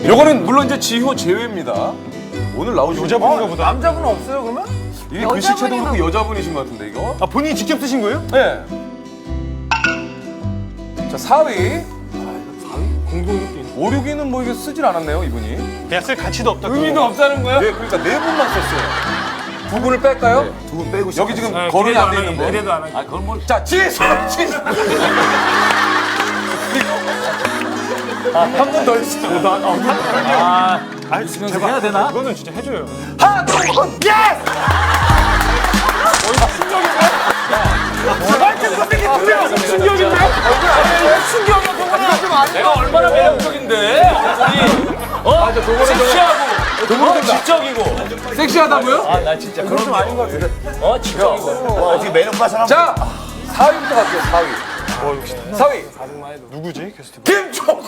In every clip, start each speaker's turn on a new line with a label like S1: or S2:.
S1: 요거는 물론 이제 지효 제외입니다. 오늘 나오신
S2: 여자분인가 보다.
S3: 남자분은 없어요 그러면?
S1: 이게 글씨체도 그렇고 여자분이신 것 같은데 이거?
S2: 아, 본인이 직접 쓰신 거예요?
S1: 네. 자 4위.
S2: 공동이렇게.
S1: 5, 6위는 뭐 이게 쓰질 않았네요 이분이.
S2: 그냥 쓸 가치도 없다.
S1: 의미도 없다는 거야? 네, 그러니까 4분만 썼어요. 2분을 뺄까요?
S3: 네, 2분 빼고
S1: 여기 지금 거론이 안 돼 있는데.
S2: 기대도 안 하고.
S3: 아 그건 뭘?
S1: 자, 지수!
S2: 한 번 더 해주세요.
S3: 제발 해야 되나?
S2: 이거는 진짜 해줘요.
S1: 하나, 둘, 예스!
S3: 내가 얼마나 매력적인데? 맞아, 도구는 섹시하고, 도구는 지적이고.
S1: 섹시하다고요?
S3: 아, 나 진짜 그런 좀 아닌 것 같은데. 지적이고.
S4: 어떻게 매력 봐 사람?
S1: 자, 4위부터 갈게요, 4위. 4위.
S2: 누구지? 게스트.
S1: 김종국!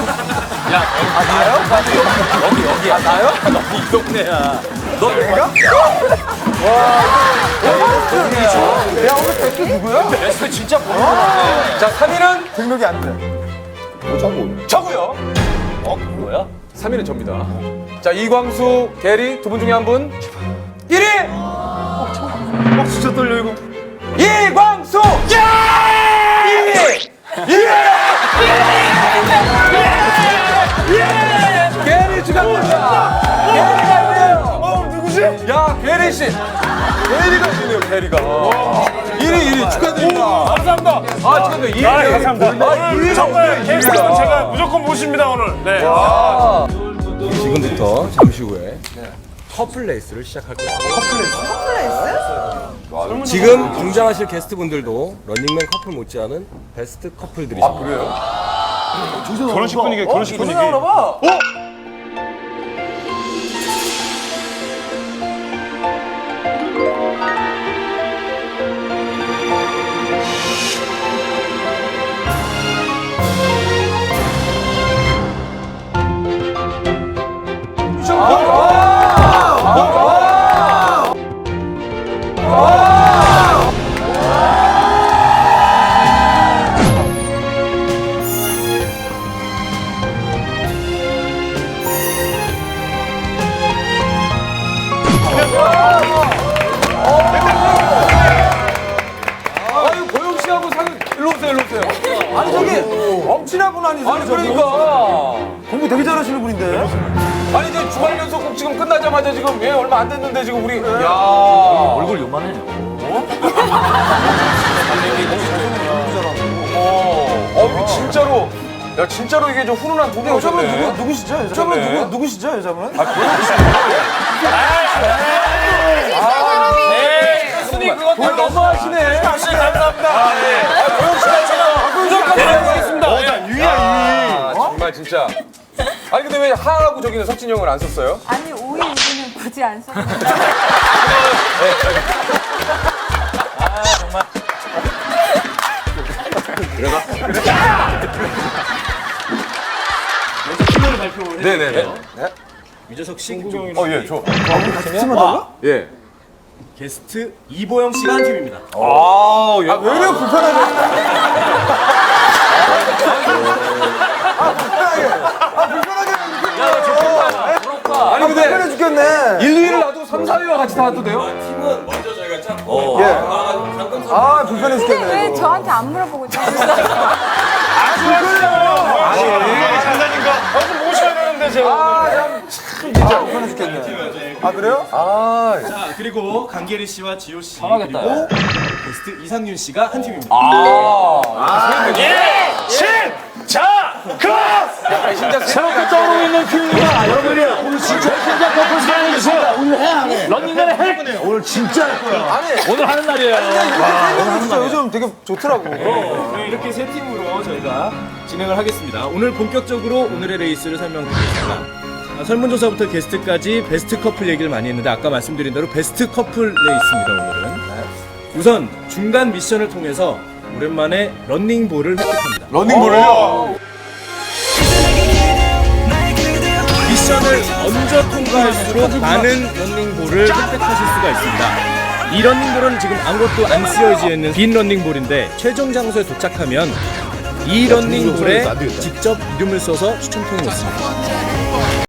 S3: 여기. 아, 나요? 너이 동네야. 너 내가?
S1: 야, 오늘 백두 누구야?
S3: 베스트 진짜 모르겠네.
S1: 자, 3위는
S3: 등록이 안 돼.
S1: 저고요.
S3: 뭐야?
S1: 3위는 접니다. 자, 이광수, 게리 두 분 중에 한 분. 1위!
S2: 진짜 떨려 이거.
S1: 이광수! 2위! 게리 축하드립니다. 게리가 1위에요.
S2: 누구지?
S1: 야, 게리 씨. 게리가 1위네요, 게리가. 1위 축하드립니다.
S2: 감사합니다.
S1: 아, 축하드립니다. 2위.
S2: 감사합니다. 오늘 정말 게스트는 제가 무조건 모십니다 오늘. 네.
S5: 지금부터 잠시 후에 커플 레이스를 시작할 거예요. 지금 등장하실 게스트분들도 런닝맨 커플 못지않은 베스트 커플들이십니다.
S1: 그래요?
S2: 결혼식 분위기, 결혼식 분위기.
S1: 봐. 아유, 고영 씨하고 사귀 일로 오세요, 일로 오세요.
S3: 아니, 저기, 엄친아 분 아니세요?
S1: 아니, 그러니까.
S3: 공부 되게 잘하시는 분인데.
S1: 아니, 이제 주말 연속극 지금 끝나자마자 지금 얼마 안 됐는데 지금 우리. 야.
S3: 얼굴 요만해.
S1: 이게 진짜로. 야, 진짜로 이게 좀 훈훈한 동네
S3: 여자분
S1: 오셨네.
S3: 누구시죠? 여자분 누구시죠? 여자분?
S1: 순이 그거 다 너무하시네.
S3: 감사합니다.
S1: 고영 씨가 제가 무조건 드리겠습니다.
S2: 유야
S1: 정말 진짜. 아니, 근데 왜 하하고 저기는 석진이 형을 안 썼어요?
S6: 아니 5위 6위는 굳이 안 썼는데
S1: 네네네.
S5: 유재석 씨,
S1: 예, 저. 예.
S5: 게스트 이보영 씨가 한 팀입니다.
S1: 아, 예.
S3: 왜 이렇게 불편하게?
S1: 아니, 근데
S3: 불편해 죽겠네.
S1: 1, 2위를 놔두고 3, 4위와 같이 나와도 돼요?
S3: 아, 불편해
S6: 근데
S3: 죽겠네.
S6: 왜 저한테 안 물어보고 있어요?
S2: 장난인가? 좀 모셔야 되는데 제가.
S3: 불편해 죽겠네. 아, 그래요?
S5: 자, 그리고 강계리 씨와 지효 씨
S3: 하겠다.
S5: 그리고 게스트 이상윤 씨가 한 팀입니다.
S1: 신작
S3: 떠오르고 있는 큐입니다. 여러분이 오늘 진짜 심장 커플 사랑해주세요. 오늘 해, 안 해? 런닝맨을 해? 오늘 진짜 할 거야. 오늘 하는 날이에요. 이렇게 진짜 요즘 되게 좋더라고.
S5: 이렇게 세 팀으로 저희가 진행을 하겠습니다. 오늘 본격적으로 오늘의 레이스를 설명드리겠습니다. 설문조사부터 게스트까지 베스트 커플 얘기를 많이 했는데 아까 말씀드린 대로 베스트 커플 레이스입니다, 오늘은. 우선 중간 미션을 통해서 오랜만에 런닝볼을 획득합니다.
S1: 러닝볼을요?
S5: 미션을 먼저 통과할수록 많은 런닝볼을 획득하실 수가 있습니다. 이 런닝볼은 지금 아무것도 안 쓰여져 있는 빈 런닝볼인데 최종 장소에 도착하면 이 런닝볼에 직접 이름을 써서 추첨통에 넣습니다.